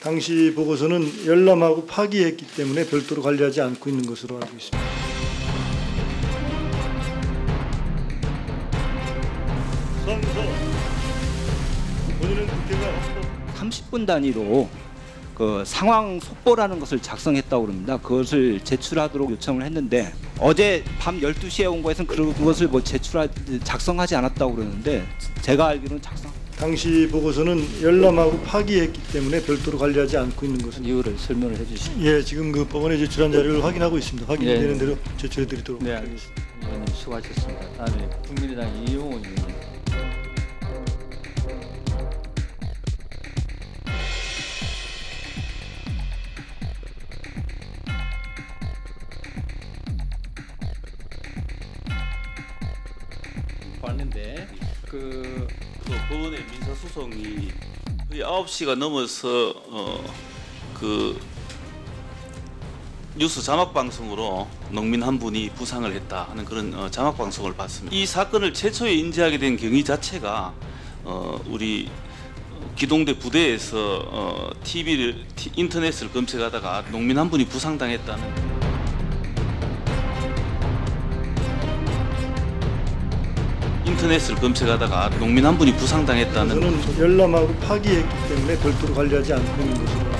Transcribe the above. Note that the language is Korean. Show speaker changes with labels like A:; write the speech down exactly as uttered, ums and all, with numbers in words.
A: 당시 보고서는 열람하고 파기했기 때문에 별도로 관리하지 않고 있는 것으로 알고 있습니다.
B: 성서 본인은 국회가
C: 삼십 분 단위로 그 상황 속보라는 것을 작성했다고 합니다. 그것을 제출하도록 요청을 했는데 어제 밤 열두 시에 온 거에서는 그것을 뭐 제출하 작성하지 않았다고 그러는데 제가 알기로는 작성.
A: 당시 보고서는 열람하고 파기했기 때문에 별도로 관리하지 않고 있는 것으로.
D: 이유를 설명을 해주시죠.
A: 예, 지금 그 법원에 제출한 자료를 확인하고 있습니다. 확인되는
D: 네.
A: 대로 제출해드리도록.
D: 네, 알겠습니다. 의원님 수고하셨습니다. 다음에 국민의당 이용호 의원님. 봤는데 그
E: 그 법원의 민사소송이 거의 아홉 시가 넘어서 어, 그 뉴스 자막 방송으로 농민 한 분이 부상을 했다 하는 그런 어, 자막 방송을 봤습니다. 이 사건을 최초에 인지하게 된 경위 자체가 어, 우리 기동대 부대에서 어, 티비를 티, 인터넷을 검색하다가 농민 한 분이 부상당했다는. 인터넷을 검색하다가 농민 한 분이 부상당했다는.
A: 저는 열람하고 파기했기 때문에 별도로 관리하지 않고 있는 것으로.